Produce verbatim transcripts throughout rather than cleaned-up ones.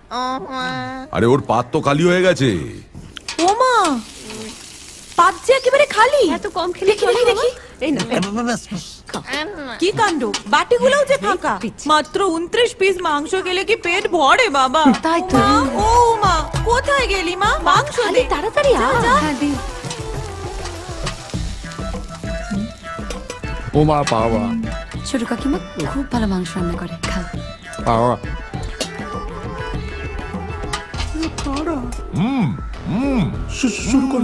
আরে ওর পাত তো খালি হয়ে গেছে। ও মা, পাত যে একেবারে খালি। এত কম খেলে দেখি দেখি দেখি। এই না কি কাণ্ড, বাটিগুলোও যে ফাঁকা। মাত্র উনত্রিশ পিস মাংস গেলে কি পেট ভরে বাবা? তাই তো। মা, ও মা, কোথায় গেলি মা? মাংস দে তাড়াতাড়ি আ। হ্যাঁ দি। ও মা, পাওয়া ছোট কাকিমা খুব ভালো মাংস রান্না করে, খাও। পাওয়া শুরু করো।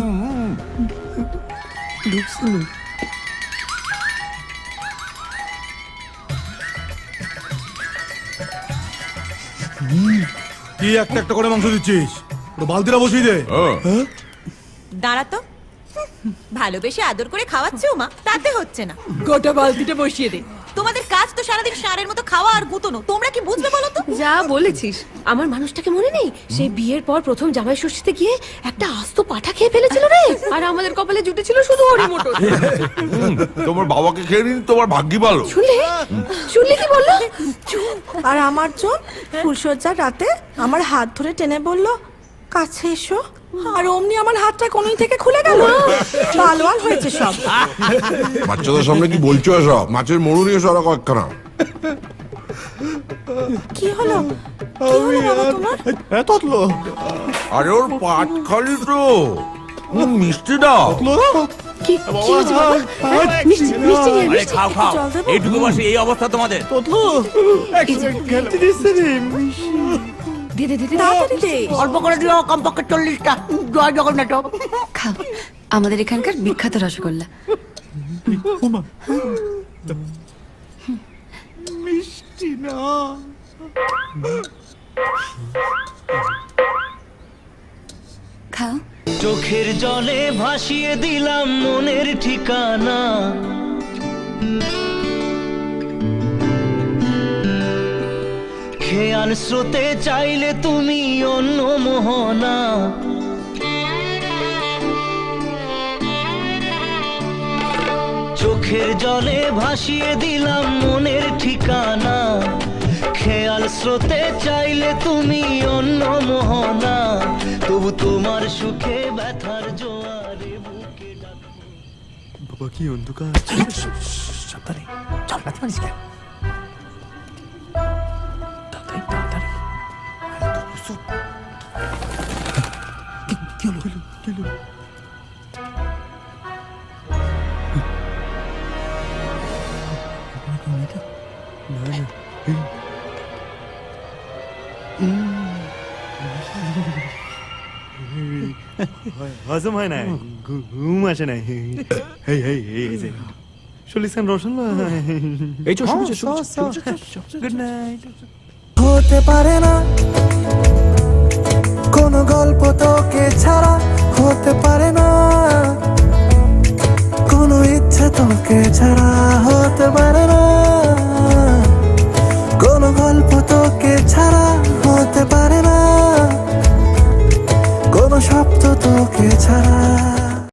কি একটা একটা করে মাংস দিচ্ছিস? বালতিটা বসিয়ে দে। দাঁড়া তো, ভালোবেসে আদর করে খাওয়াচ্ছে ও মা, তাতে হচ্ছে না। গোটা বালতিটা বসিয়ে দে। তোমাদের কাজ তো সারাদিন ষাঁড়ের মতো খাওয়া আর গুতনো, তোমরা কি বুঝবে বলো তো? যা বলেছিস, আমার মানুষটাকে মনে নেই? সেই বিয়ের পর প্রথম জামাই ষষ্ঠীতে গিয়ে একটা আস্ত পাঠা খেয়ে ফেলেছিল রে, আর আমাদের কপালে জুটেছিল শুধু হরি মটর। তোমার বাবাকে খেয়ে নিন, তোমার ভাগ্যি ভালো। শুনলে শুনলে কি বললো? আর আমার জন ফুলসজ্জার রাতে আমার হাত ধরে টেনে বলল, কাছে এসো। আর অমনি আমার হাতটা কোনই থেকে খুলে গেল। ভালো আর হয়েছে সব। বাচ্চাদের সামনে কি বলছো এসব? মাছের মরু নিয়ে সরা কয়েকখানা। কি হলো কি হলো বাবা তোমার? ততলো আরে ওর পাট খালি তো। উম, মিষ্টি দাও। কি কি হয়েছে বাবা? মিষ্টি মিষ্টি নিয়ে আরে খাও খাও, জল দেবো? এইটুকু বসে এই অবস্থা তোমাদের। ততলো খেলতে দিচ্ছে রে। দে দে দে দে। তাড়াতাড়ি দে। অল্প করে দিও, কমপক্ষে চল্লিশটা। জয় জগন্নাথ। খাও, আমাদের এখানকার বিখ্যাত রসগোল্লা। মিষ্টি না। খাও। চোখের জলে ভাসিয়ে দিলাম মনের ঠিকানা, খেয়াল স্রোতে চাইলে তুমি অন্য মোহনা, চোখের জলে ভাসিয়ে দিলাম মনের ঠিকানা, খেয়াল স্রোতে চাইলে তুমি অন্য মোহনা, তবু তোমার সুখে ব্যথার জোয়ারে বুকে ডাকবো। বাবা কি অন্ধকার। সাবধানে চল, রাতে মারিস কেন? তাড়াতাড়ি তাড়াতাড়ি। কি কি হলো কি হলো? হজম হয় না, ঘুম আসে না। হেই হেই হেই যে চল্লিশ রোশন। এই চল, শুরু চল, গুড নাইট। হতে পারে না কোনো গল্প